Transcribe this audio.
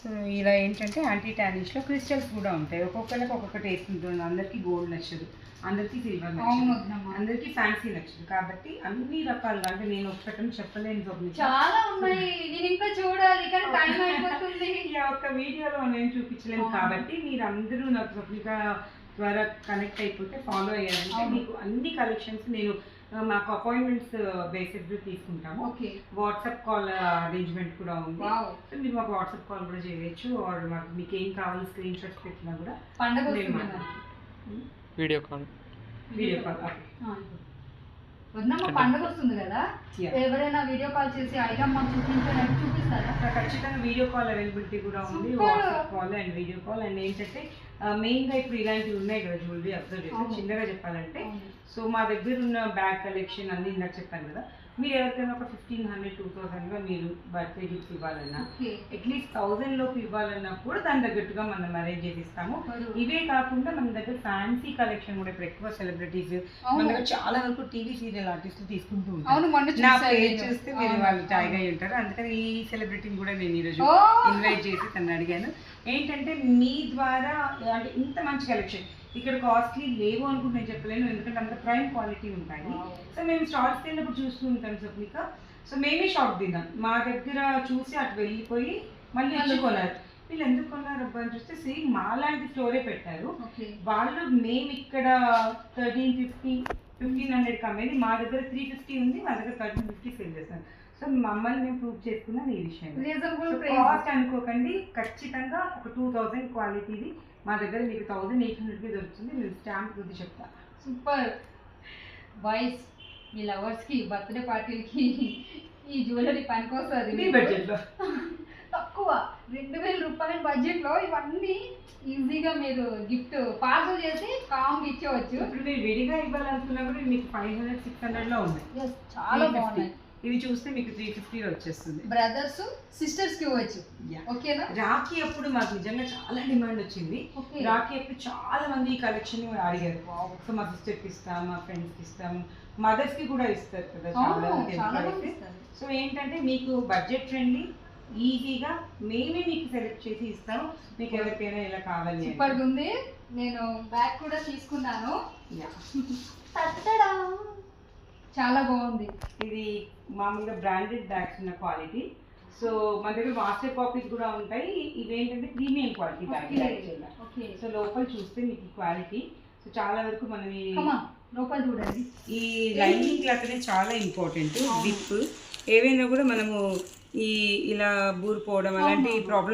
So ఇలా ఏంటంటే anti టానిష్లో crystals కూడా ఉంటాయి. ఒక్కొక్కరికి ఒక్కొక్క టేస్ట్ ఉంటుంది. అందరికీ గోల్డ్ నచ్చదు, అందరికీ సిల్వర్ నచ్చదు, అందరికీ ఫ్యాన్సీ నచ్చదు. కాబట్టి అన్ని రకాలుగా అంటే నేను ఒక్కటని చెప్పలేను. చాలా ఉన్నాయి, నేను ఇంకా చూడాలి కానీ టైం అయిపోతుంది. ఒక్క వీడియోలో నేను చూపించలేము. కాబట్టి మీరు అందరూ నాకు స్వప్నిక ద్వారా కనెక్ట్ అయిపోతే ఫాలో అయ్యారంటే మీకు అన్ని కలెక్షన్స్ నేను మాకు అపాయింట్మెంట్స్ బేసిస్ తీసుకుంటాము. వాట్సాప్ కాల్ అరేంజ్మెంట్ కూడా ఉంది. సో మీరు మాకు వాట్సాప్ కాల్ కూడా చేయొచ్చు. ఆర్ మాకు మీకు ఏం కావాలి స్క్రీన్ షాట్స్ పెట్టినా కూడా వీడియో కాల్ పండుగ వస్తుంది కదా, ఎవరైనా వీడియో కాల్ చేసి ఐటమ్ మాకు చూపిస్తారా? ఖచ్చితంగా వీడియో కాల్ అవైలబిలిటీ కూడా ఉంది. WhatsApp call and video call. And ఏంటంటే మెయిన్గా ఇప్పుడు ఇలాంటివి ఉన్నాయి కదా జ్యువెలరీ అబ్జర్వ్ చేసి చిన్నగా చెప్పాలంటే, సో మా దగ్గర ఉన్న బ్యాగ్ కలెక్షన్ అన్ని ఇందాక చెప్పాను కదా, మీరు ఎవరికైనా ఒక 1500-2000గా మీరు బర్త్డే గిఫ్ట్ ఇవ్వాలన్నా, అట్లీస్ట్ 1000 లోపు ఇవ్వాలన్నా కూడా దాని తగ్గట్టుగా మనం అరేంజ్ చేసి ఇస్తాము. ఇవే కాకుండా మన దగ్గర ఫ్యాన్సీ కలెక్షన్ కూడా ఇప్పుడు ఎక్కువ సెలబ్రిటీస్ మన దగ్గర చాలా వరకు టీవీ సీరియల్ ఆర్టిస్టులు తీసుకుంటూ ఉంటారు. నా పేరు చూస్తే మీరు వాళ్ళు ట్యాగ్ అయి ఉంటారు. అందుకని ఈ సెలబ్రిటీని కూడా నేను ఈరోజు ఇన్వైట్ చేసి తను అడిగాను. ఏంటంటే మీ ద్వారా అంటే ఇంత మంచి కలెక్షన్ ఇక్కడ కాస్ట్లీ లేవు అనుకుంటే నేను చెప్పలేను, ఎందుకంటే అంత ప్రైమ్ క్వాలిటీ ఉంటాయి. సో మేము స్టాల్స్కి వెళ్ళినప్పుడు చూస్తూ ఉంటాం స్వప్నిక. సో మేమే షాక్ తిన్నాం, మా దగ్గర చూసి అటు వెళ్ళిపోయి మళ్ళీ వచ్చి కొన్నారు. వీళ్ళు ఎందుకు కొన్నారు అబ్బా అని చూస్తే సేమ్ మా లాంటి స్టోరే పెట్టారు వాళ్ళు. మేము ఇక్కడ 1350-1500 అమ్మేది, మా దగ్గర 350 ఉంది, మా దగ్గర 1350 సేల్ చేస్తాను. సో మమ్మల్ని మేము ప్రూవ్ చేసుకున్నాం ఈ విషయం. కాస్ట్ అనుకోకండి, ఖచ్చితంగా ఒక 2000 క్వాలిటీది మా దగ్గర మీకు 1800కి దొరుకుతుంది. మీరు స్టాంప్ గురించి చెప్తా. సూపర్ బాయ్స్, మీ లవర్స్కి బర్త్డే పార్టీలకి ఈ జ్యువెలరీ పనికొస్తుంది. మీ బడ్జెట్లో తక్కువ 2000 రూపాయల బడ్జెట్లో ఇవన్నీ ఈజీగా మీరు గిఫ్ట్ పార్సల్ చేసి కామ్ ఇచ్చేవచ్చు. ఇప్పుడు మీరు విడిగా ఇవ్వాలనుకున్నా కూడా మీకు 500-600లో ఉన్నాయి. చాలా బాగున్నాయి. ఇవి చూస్తే మీకు 350 వచ్చేస్తుంది. బ్రదర్స్ సిస్టర్స్ కి ఇవ్వచ్చు. ఓకేనా? రాఖీ అప్పుడు మాకు నిజంగా చాలా డిమాండ్ వచ్చింది. రాఖీ అప్పుడు చాలా మంది ఈ కలెక్షన్ అడిగారు. సో మా సిస్టర్ కి ఇస్తాం, మా ఫ్రెండ్స్ కి ఇస్తాం, మదర్స్ కి కూడా ఇస్తారు కదా చాలా. సో ఏంటంటే మీకు బడ్జెట్ ఫ్రెండ్లీ, ఈజీగా మేమే మీకు సెలెక్ట్ చేసి ఇస్తాము. మీకు ఎవరికైనా ఇలా కావాలి. సూపర్ ఉంది. నేను బ్యాగ్ కూడా తీసుకున్నాను. చాలా బాగుంది. ఇది మామూలుగా బ్రాండెడ్ బ్యాగ్స్ ఉన్న క్వాలిటీ. సో మన దగ్గర మాస్టర్ కాపీస్ కూడా ఉంటాయి. ఇవేంటంటే ప్రీమియం క్వాలిటీ బ్యాగ్. సో లోపల చూస్తే మీకు క్వాలిటీ సో చాలా వరకు మనం లోపల చూడండి. ఈ లైనింగ్ క్లాత్ అనేది చాలా ఇంపార్టెంట్. విప్ ఏవైనా కూడా మనము ఈ ఇలా బూరిపోవడం అలాంటి ప్రాబ్లమ్